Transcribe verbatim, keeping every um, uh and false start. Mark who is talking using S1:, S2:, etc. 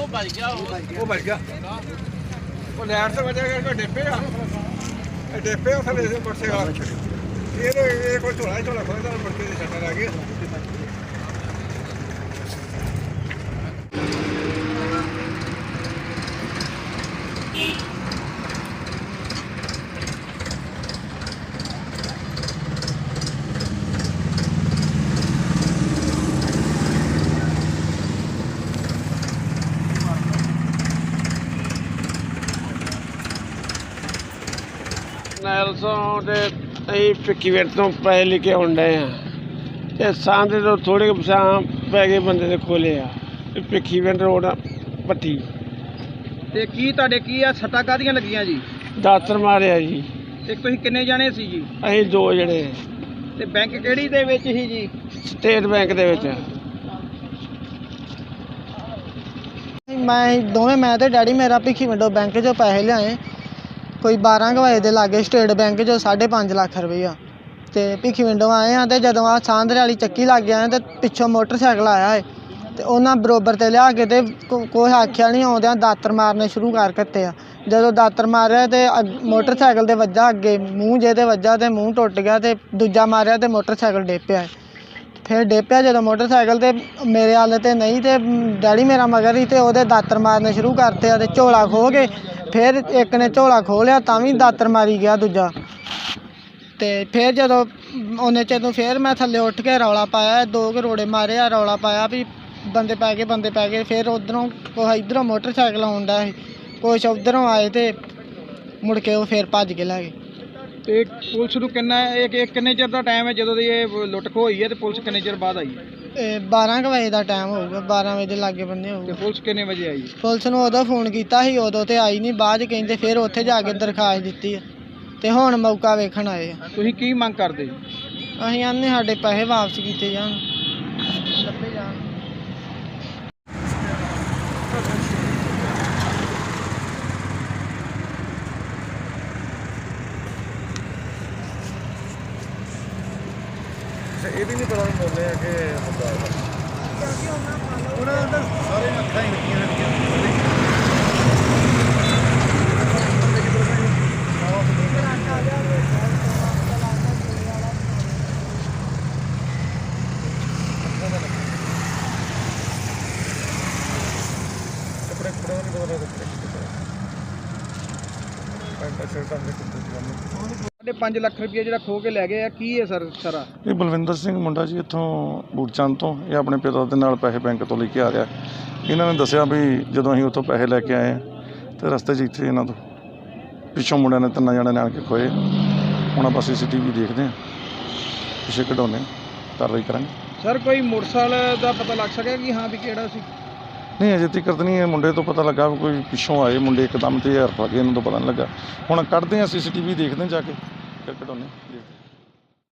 S1: ਭੱਜ ਗਿਆ
S2: ਉਹ ਭੱਜ ਗਿਆ ਉਹ ਲੈਟ ਤੋਂ ਵਜ੍ਹਾ ਕਰਕੇ ਡੇਪੇ ਆ ਇਹ ਡੇਪੇ ਉਹ ਥੱਲੇ ਮੋਟਰਸਾਈਕਲ ਇਹਦੇ ਇਹ ਕੋਈ ਝੋਲਾ ਝੋਲਾ ਖੋਲਦਾ ਮੁੜ ਕੇ ਛੱਟਾ ਲੱਗ ਗਿਆ
S3: ਨੈਲਸੋਂ ਤੇ ਅਸੀਂ ਭਿੱਖੀਵਿੰਡ ਤੋਂ ਪੈਸੇ ਲੈ ਕੇ ਆਉਣ ਡਏ ਹਾਂ ਤੇ ਸਾਂਦੇ ਤੋਂ ਥੋੜ੍ਹੇ ਪਛਾਂ ਪੈ ਗਏ ਬੰਦੇ ਦੇ ਖੋਲੇ ਆ ਭਿੱਖੀਵਿੰਡ ਰੋਡ ਭੱਠੀ
S1: ਤੇ ਕੀ ਤੁਹਾਡੇ ਕੀ ਆ ਸੱਟਾਂ ਕਾਹਦੀਆਂ ਲੱਗੀਆਂ ਜੀ?
S3: ਦਾਤਰ ਮਾਰਿਆ ਜੀ।
S1: ਤੇ ਤੁਸੀਂ ਕਿੰਨੇ ਜਾਣੇ ਸੀ ਜੀ?
S3: ਅਸੀਂ ਦੋ ਜਣੇ।
S1: ਤੇ ਬੈਂਕ ਕਿਹੜੀ ਦੇ ਵਿੱਚ ਸੀ ਜੀ?
S3: ਸਟੇਟ ਬੈਂਕ ਦੇ ਵਿੱਚ।
S4: ਮੈਂ ਦੋਵੇਂ ਮੈਂ ਤੇ ਡੈਡੀ ਮੇਰਾ ਭਿੱਖੀਵਿੰਡੋਂ ਬੈਂਕ 'ਚੋਂ ਪੈਸੇ ਲਿਆਏ ਕੋਈ ਬਾਰਾਂ ਕੁ ਵਜੇ ਦੇ ਲਾਗੇ ਸਟੇਟ ਬੈਂਕ 'ਚੋਂ ਸਾਢੇ ਪੰਜ ਲੱਖ ਰੁਪਈਆ ਤੇ ਭਿੱਖੀਵਿੰਡੋਂ ਆਏ ਹਾਂ ਤੇ ਜਦੋਂ ਆਹ ਸਾਂਦਰੇ ਵਾਲੀ ਚੱਕੀ ਲੱਗ ਗਿਆ ਤੇ ਪਿੱਛੋਂ ਮੋਟਰਸਾਈਕਲ ਆਇਆ ਹੈ ਤੇ ਉਹਨਾਂ ਬਰੋਬਰ ਤੇ ਲਿਆ ਕੇ ਤੇ ਕੋਈ ਆਖਿਆ ਨਹੀਂ ਆਉਂਦਿਆਂ ਦਾਤਰ ਮਾਰਨੇ ਸ਼ੁਰੂ ਕਰ ਦਿੱਤੇ ਆ। ਜਦੋਂ ਦਾਤਰ ਮਾਰਿਆ ਤੇ ਮੋਟਰਸਾਈਕਲ ਦੇ ਵੱਜਾ ਅੱਗੇ ਮੂੰਹ ਜੇ ਤੇ ਵੱਜਾ ਤੇ ਮੂੰਹ ਟੁੱਟ ਗਿਆ ਤੇ ਦੂਜਾ ਮਾਰਿਆ ਤੇ ਮੋਟਰਸਾਈਕਲ ਡੇਪਿਆ ਫਿਰ ਡੇਪਿਆ ਜਦੋਂ ਮੋਟਰਸਾਈਕਲ ਤੇ ਮੇਰੇ ਹਾਲ ਤੇ ਨਹੀਂ ਤੇ ਡੈਡੀ ਮੇਰਾ ਮਗਰ ਹੀ ਤੇ ਉਹਦੇ ਦਾਤਰ ਮਾਰਨੇ ਸ਼ੁਰੂ ਕਰਤੇ ਆ ਤੇ ਝੋਲਾ ਖੋਹ ਕੇ ਫਿਰ ਇੱਕ ਨੇ ਝੋਲਾ ਖੋਹ ਲਿਆ ਤਾਂ ਵੀ ਦਾਤਰ ਮਾਰੀ ਗਿਆ ਦੂਜਾ ਤੇ ਫਿਰ ਜਦੋਂ ਉਹਨੇ ਜਦੋਂ ਫਿਰ ਮੈਂ ਥੱਲੇ ਉੱਠ ਕੇ ਰੌਲਾ ਪਾਇਆ ਦੋ ਕੁ ਰੋੜੇ ਮਾਰੇ ਆ ਰੌਲਾ ਪਾਇਆ ਵੀ ਬੰਦੇ ਪੈ ਗਏ ਬੰਦੇ ਪੈ ਗਏ ਫਿਰ ਉੱਧਰੋਂ ਕੋਈ ਇੱਧਰੋਂ ਮੋਟਰਸਾਈਕਲ ਆਉਂਦਾ ਸੀ ਕੁਛ ਉੱਧਰੋਂ ਆਏ ਤੇ ਮੁੜ ਕੇ ਉਹ ਫਿਰ ਭੱਜ ਕੇ ਲੈ ਗਏ।
S1: ਤੇ ਪੁਲਿਸ ਨੂੰ ਕਿੰਨਾ ਇਹ ਕਿੰਨੇ ਚਿਰ ਦਾ ਟਾਈਮ ਹੈ ਜਦੋਂ ਦੀ ਇਹ ਲੁੱਟ ਖੋਹ ਹੋਈ ਹੈ ਤੇ ਪੁਲਿਸ ਕਿੰਨੇ ਚਿਰ ਬਾਅਦ ਆਈ?
S4: ਇਹ ਬਾਰਾਂ ਕੁ ਵਜੇ ਦਾ ਟਾਈਮ ਹੋਊਗਾ ਬਾਰਾਂ ਵਜੇ ਦੇ ਲਾਗੇ ਬੰਨੇ ਹੋਊਗਾ।
S1: ਤੇ ਪੁਲਿਸ ਕਿੰਨੇ ਵਜੇ ਆਈ?
S4: ਪੁਲਿਸ ਨੂੰ ਉਦੋਂ ਫੋਨ ਕੀਤਾ ਸੀ ਉਦੋਂ ਤੇ ਆਈ ਨਹੀਂ ਬਾਅਦ 'ਚ ਕਹਿੰਦੇ ਫਿਰ ਉੱਥੇ ਜਾ ਕੇ ਦਰਖਾਸਤ ਦਿੱਤੀ ਆ ਤੇ ਹੁਣ ਮੌਕਾ ਵੇਖਣ ਆਏ ਆ।
S1: ਤੁਸੀਂ ਕੀ ਮੰਗ ਕਰਦੇ?
S4: ਅਸੀਂ ਆਨੇ ਸਾਡੇ ਪੈਸੇ ਵਾਪਸ ਕੀਤੇ ਜਾਣ ਲੱਭੇ ਜਾਣ।
S2: ਇਹ ਵੀ ਨਹੀਂ ਪਤਾ ਬੋਲਦੇ ਆ ਕਿ ਹੁੰਦਾ ਉਹਨਾਂ ਦਾ ਸਾਰੇ ਅੱਖਾਂ ਹੀ ਲੱਗੀਆਂ ਹੋਈਆਂ ਕੱਪੜੇ ਕੱਪੜੇ ਨਹੀਂ ਪਤਾ ਕੱਪੜੇ ਪੈਂਟਾਂ ਸ਼ਰਟਾਂ ਦੇ ਕੁੱਤੇ
S1: ਸਾਢੇ ਪੰਜ ਲੱਖ ਰੁਪਏ ਜਿਹੜਾ ਖੋਹ ਕੇ ਲੈ ਗਏ ਆ ਕੀ ਹੈ ਸਰ ਸਾਰਾ?
S5: ਇਹ ਬਲਵਿੰਦਰ ਸਿੰਘ ਮੁੰਡਾ ਜੀ ਇੱਥੋਂ ਬੂਟਚੰਦ ਤੋਂ ਇਹ ਆਪਣੇ ਪਿਤਾ ਦੇ ਨਾਲ ਪੈਸੇ ਬੈਂਕ ਤੋਂ ਲੈ ਕੇ ਆ ਰਿਹਾ। ਇਹਨਾਂ ਨੇ ਦੱਸਿਆ ਵੀ ਜਦੋਂ ਅਸੀਂ ਉੱਥੋਂ ਪੈਸੇ ਲੈ ਕੇ ਆਏ ਤੇ ਰਸਤੇ 'ਚ ਇੱਥੇ ਇਹਨਾਂ ਤੋਂ ਪਿੱਛੋਂ ਮੁੰਡਿਆਂ ਨੇ ਤਿੰਨਾਂ ਜਣਿਆਂ ਨੇ ਆ ਕੇ ਖੋਏ। ਹੁਣ ਆਪਾਂ ਸੀ ਸੀ ਟੀ ਵੀ ਦੇਖਦੇ ਹਾਂ ਪਿੱਛੇ ਕਢਾਉਂਦੇ ਕਾਰਵਾਈ ਕਰਾਂਗੇ।
S1: ਸਰ ਕੋਈ ਮੋਟਰਸਾਈਕਲ ਦਾ ਪਤਾ ਲੱਗ ਸਕਿਆ ਕਿ ਹਾਂ ਵੀ ਕਿਹੜਾ ਸੀ?
S5: ਨਹੀਂ ਅਜੇ ਤੱਕ ਨਹੀਂ ਇਹ ਮੁੰਡੇ ਤੋਂ ਪਤਾ ਲੱਗਾ ਕੋਈ ਪਿੱਛੋਂ ਆਏ ਮੁੰਡੇ ਇੱਕਦਮ ਤੇ ਹਰ ਲੱਗੇ ਇਹਨਾਂ ਤੋਂ ਪਤਾ ਨਹੀਂ ਲੱਗਾ। ਹੁਣ ਕੱਢਦੇ ਹਾਂ ਸੀ ਸੀ ਟੀ ਵੀ ਦੇਖਦੇ ਜਾ ਕੇ ਫਿਰ ਕਢਾਉਂਦੇ।